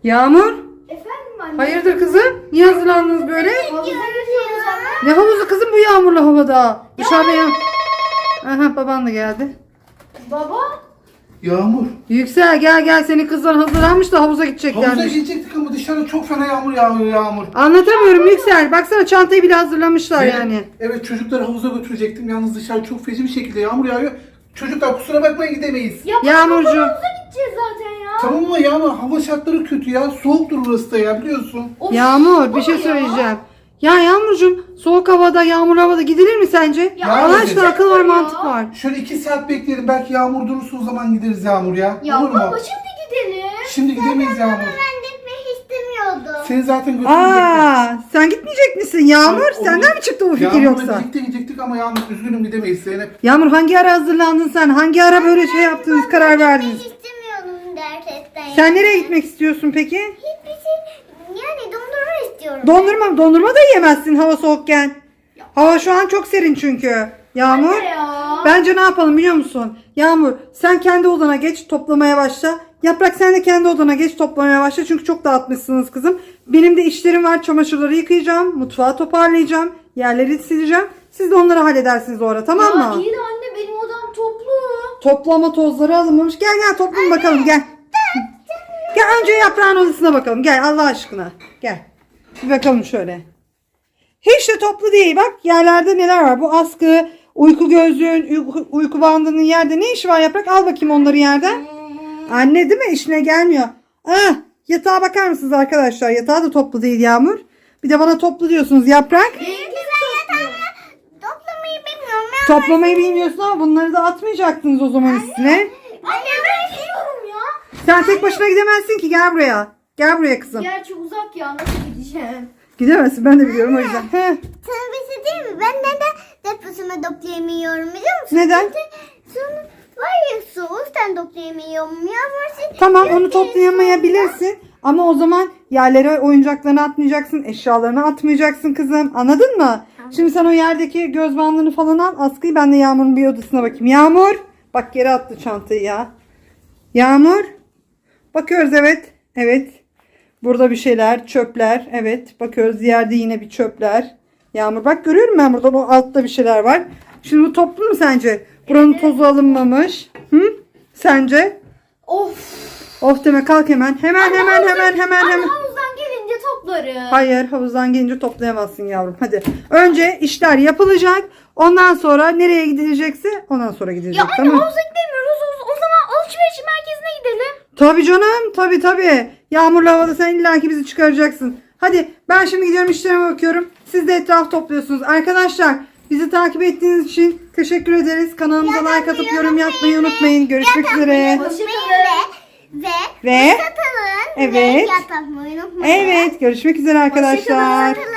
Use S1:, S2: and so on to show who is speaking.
S1: Yağmur,
S2: Efendim anne?
S1: hayırdır kızım? Niye hazırlandınız böyle?
S2: Havuza gidiyoruz anne.
S1: Ne havuzu kızım bu yağmurlu havada? Dışarıda ya. Aha baban da geldi.
S2: Baba?
S3: Yağmur.
S1: Yüksel gel senin kızlar hazırlanmış da havuza
S3: Havuza
S1: gideceklermiş.
S3: gidecektik ama dışarıda çok fena yağmur yağıyor Yağmur.
S1: Anlatamıyorum Yüksel. Baksana çantayı bile hazırlamışlar
S3: Evet,
S1: yani.
S3: Evet çocukları havuza götürecektim. Yalnız dışarı çok feci bir şekilde yağmur yağıyor. Çocuklar kusura bakmayın gidemeyiz.
S2: Ya
S1: Yağmurcuğum.
S2: havuza gideceğiz zaten ya.
S3: Tamam ama Yağmur hava şartları kötü ya. Soğuktur burası da ya biliyorsun.
S2: Of,
S1: Yağmur bir
S2: baba
S1: şey
S2: ya.
S1: söyleyeceğim. Ya Yağmurcuğum soğuk havada yağmur havada gidilir mi sence?
S2: Ya
S1: Allah aşkına
S3: gidecek
S1: akıl var
S2: ya.
S1: mantık var.
S3: Şöyle 2 saat bekleyelim. Belki yağmur durursa o zaman gideriz Yağmur ya.
S2: Ya
S3: Olur mu?
S2: baba şimdi gidelim.
S3: Şimdi gidemeyiz Yağmur.
S4: Ben gitmek istemiyordum.
S3: Seni zaten götürecektim.
S1: Aa, sen gitmeyecek misin Yağmur?
S3: Hayır,
S1: Senden
S3: olur.
S1: mi çıktı bu fikir
S3: Yağmur'la
S1: yoksa?
S3: birlikte gidecektik ama Yağmur üzgünüm gidemeyiz Zeynep.
S1: Yağmur hangi ara hazırlandın sen? Hangi ara böyle şey yaptınız, karar verdiniz?
S4: Gitmek istemiyordum gerçekten.
S1: Sen nereye gitmek istiyorsun peki?
S4: Hiçbir şey, yani dondurma istiyorum.
S1: Dondurma da yiyemezsin hava soğukken. Hava şu an çok serin çünkü. Yağmur.
S2: Anne ya.
S1: Bence ne yapalım biliyor musun? Yağmur sen kendi odana geç toplamaya başla. Yaprak sen de kendi odana geç toplamaya başla. Çünkü çok dağıtmışsınız kızım. Benim de işlerim var. Çamaşırları yıkayacağım. Mutfağı toparlayacağım. Yerleri sileceğim. Siz de onları halledersiniz o ara tamam
S2: Ya
S1: mı?
S2: iyi de anne benim odam toplu.
S1: Toplama tozları alınmamış. Gel toplayın bakalım gel. Gel önce yaprağın odasına bakalım. Gel Allah aşkına. Gel. Bir bakalım şöyle. Hiç de toplu değil. Bak yerlerde neler var. Bu askı, uyku gözlüğün, uyku bandının yerde ne işi var yaprak? Al bakayım onları yerden. Anne değil mi? İşine gelmiyor. Ah, yatağa bakar mısınız arkadaşlar? Yatağı da toplu değil Yağmur. Bir de bana toplu diyorsunuz yaprak.
S4: Çünkü ben yatağımı toplamayı bilmiyorum. Ya.
S1: Toplamayı bilmiyorsun ama bunları da atmayacaktınız o zaman üstüne.
S2: Anne ben gidiyorum ya.
S1: Sen tek başına gidemezsin ki gel buraya. Gel buraya kızım.
S2: Gerçi uzak ya nasıl gideceğim?
S1: Gidemezsin ben de biliyorum o yüzden. Heh.
S4: Sana bir şey diyeyim mi? Ben neden deposunu toplayamıyorum biliyor musun?
S1: Neden?
S4: Çünkü sonra var ya soğuktan toplayamıyorum. Yağmur
S1: Tamam onu toplayamayabilirsin. Ama o zaman yerlere oyuncaklarını atmayacaksın. Eşyalarını atmayacaksın kızım. Anladın mı? Şimdi sen o yerdeki göz bandını falan al. Askıyı ben de Yağmur'un bir odasına bakayım. Yağmur. Bak geri attı çantayı ya. Yağmur. Bakıyoruz evet. Evet. Burada bir şeyler. Çöpler. Evet. Bakıyoruz yerde yine bir çöpler. Yağmur bak görüyorum ben burada. O altta bir şeyler var. Şimdi bu toplu mu sence? Buranın tozu alınmamış. Hı? Sence?
S2: Of.
S1: Of deme kalk hemen. Hemen.
S2: Anne havuzdan gelince toplarım.
S1: Hayır havuzdan gelince toplayamazsın yavrum. Hadi. Önce işler yapılacak. Ondan sonra nereye gidilecekse ondan sonra gidilecek.
S2: Ya anne
S1: tamam mı?
S2: havuza gidemiyoruz. O zaman alışveriş merkezine gidelim.
S1: Tabii canım. Tabii. Yağmurlu havada sen illaki bizi çıkaracaksın. Hadi ben şimdi gidiyorum işlerime bakıyorum. Siz de etraf topluyorsunuz. Arkadaşlar bizi takip ettiğiniz için teşekkür ederiz. Kanalımıza like atıp yorum yapmayı unutmayın. Görüşmek üzere.
S2: Hoşçakalın.
S4: ve
S1: Ve
S4: satalım.
S1: Evet.
S4: Ve yatak unutmayın.
S1: evet görüşmek üzere arkadaşlar.
S4: Satalım.